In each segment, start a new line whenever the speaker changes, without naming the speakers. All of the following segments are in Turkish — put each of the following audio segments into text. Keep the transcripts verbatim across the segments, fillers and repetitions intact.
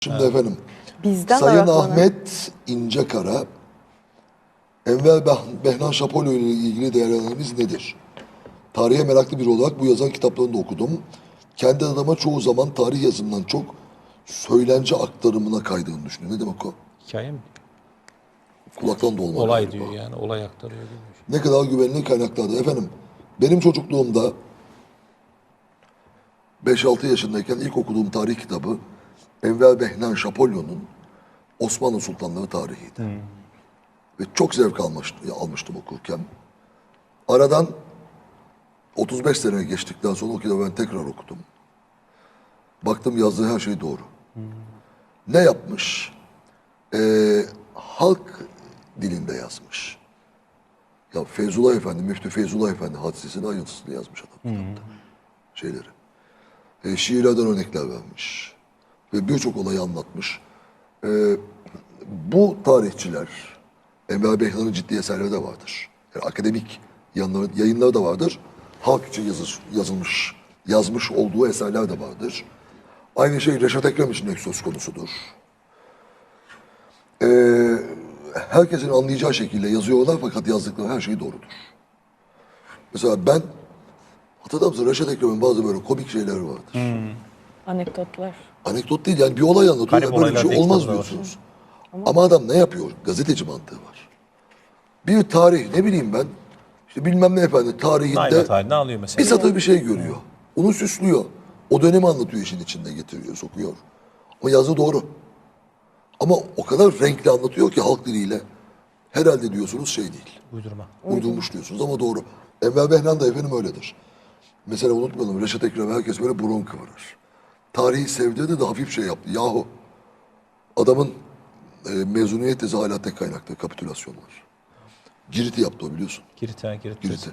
Şimdi efendim,
Bizden
Sayın
araklanan-
Ahmet İncekara, Enver Beh- Behnan Şapolyo ile ilgili değerlendirmemiz nedir? Tarihe meraklı biri olarak bu yazan kitaplarını da okudum. Kendi adıma çoğu zaman tarih yazımından çok söylence aktarımına kaydığını düşünüyorum. Ne demek o?
Hikaye mi?
Kulaktan dolma
Olay
galiba.
diyor yani. Olay aktarıyor gibi.
Ne kadar güvenilir kaynaklarda. Efendim, benim çocukluğumda beş altı yaşındayken ilk okuduğum tarih kitabı Enver Behnan Şapolyo'nun Osmanlı Sultanları tarihiydi. Ve çok zevk almıştım, almıştım okurken. Aradan otuz beş sene geçtikten sonra o kitabı ben tekrar okudum. Baktım yazdığı her şey doğru. Ne yapmış? Ee, halk dilinde yazmış. Ya Feyzullah Efendi, Müftü Feyzullah Efendi hadisesinin ayrıntısını yazmış adam kitapta. Şeyleri. E, şiirlerden örnekler vermiş. Ve birçok olayı anlatmış. E, bu tarihçiler, Enver Behlan'ın ciddi eserleri de vardır. Yani akademik yanları, yayınları da vardır. Halk için yazış, yazılmış, yazmış olduğu eserler de vardır. Aynı şey Reşat Ekrem için de söz konusudur. E, herkesin anlayacağı şekilde yazıyorlar fakat yazdıkları her şey doğrudur. Mesela ben, hatırlar mısın Reşat Ekrem'in bazı böyle komik şeyleri vardır.
Anekdotlar.
Anekdot değil yani bir olay anlatıyor.
Garip
Böyle bir
olaylar
şey
değil,
olmaz
kitabı da var.
diyorsunuz. Ama adam ne yapıyor? Gazeteci mantığı var. Bir tarih ne bileyim ben. İşte bilmem ne efendi tarihinde
Naime tarihini alıyor mesela.
bir satır bir şey görüyor. Onu süslüyor. O dönemi anlatıyor işin içinde getiriyor, sokuyor. Ama yazı doğru. Ama o kadar renkli anlatıyor ki halk diliyle. Herhalde diyorsunuz şey değil.
Uydurma.
Uydurmuş diyorsunuz ama doğru. Enver Behnan da efendim öyledir. Mesela unutmayalım Reşat Ekrem herkes böyle burun kıvırır. Tarihi sevdirdi de hafif şey yaptı. Yahu adamın e, mezuniyet tezi hala tek kaynakta kapitülasyonlar. Girit'i yaptı o biliyorsun.
Girit, ha, Girit.
Girit'i.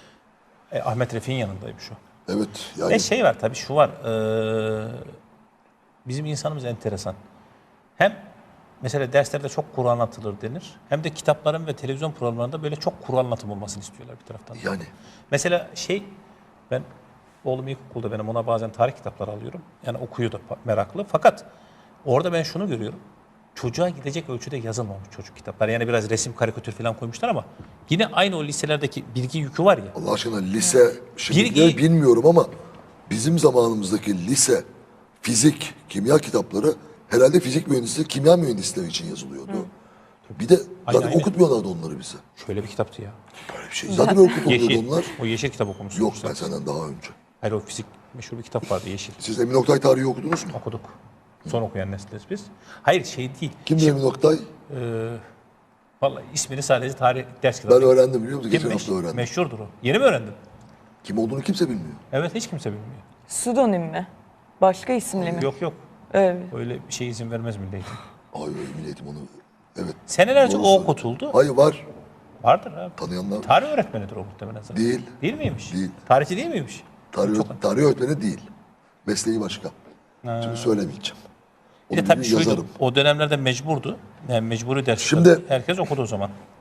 E, Ahmet Refik'in yanındaymış o.
Evet yani
Ve şey var tabii şu var. eee, bizim insanımız enteresan. Hem mesela derslerde çok Kur'an anlatılır denir. Hem de kitapların ve televizyon programlarında böyle çok Kur'an anlatım olmasını istiyorlar bir taraftan. da.
yani
Mesela şey ben oğlum ilkokulda benim ona bazen tarih kitapları alıyorum. Yani okuyor da pa- meraklı. Fakat orada ben şunu görüyorum. Çocuğa gidecek ölçüde yazılmamış çocuk kitapları. Yani biraz resim, karikatür falan koymuşlar ama yine aynı o liselerdeki bilgi yükü var ya.
Allah aşkına lise şimdi
Bilgi-
bilmiyorum ama bizim zamanımızdaki lise fizik, kimya kitapları herhalde fizik mühendisleri, kimya mühendisleri için yazılıyordu. Bir de zaten
Aynen, aynen.
okutmuyorlardı onları bize.
Şöyle bir kitaptı ya.
Böyle bir şey. Zaten okutmuyordu
Yeşil.
onlar.
O yeşil kitap okumuşsun.
Yok ben senden daha önce.
Hayır o fizik meşhur bir kitap vardı yeşil.
Siz Emin Oktay tarihi okudunuz mu?
Okuduk. Son okuyan nesiliz biz. Hayır şey değil.
Kimdi Emin Oktay?
Ee, vallahi ismini sadece tarih ders
Ben
kitabı.
öğrendim biliyor musun?
Kim
Geçen
meş-
hafta öğrendim.
meşhurdur o. Yeni mi öğrendin?
Kim olduğunu kimse bilmiyor.
Evet hiç kimse bilmiyor.
Pseudonim mi? Başka isimle mi?
Yok yok.
Öyle.
Öyle bir şey izin vermez Milli Eğitim.
Ay öyle milletim onu. Evet.
Senelerce
Doğru
o
söylüyor.
okutuldu.
Hayır var.
Vardır abi.
Tanıyanlar.
Tarih öğretmenidir o muhtemelen zaten.
Değil.
Değil miymiş?
Değil.
Tarihçi değil miymiş?
Tarih, tarih öğretmeni değil. Mesleği başka. Şimdi söylemeyeceğim.
Bir de
Onu
tabii
bir
şuydu.
yazarım.
O dönemlerde mecburdu. Yani mecburi ders.
Şimdi-
herkes okudu o zaman.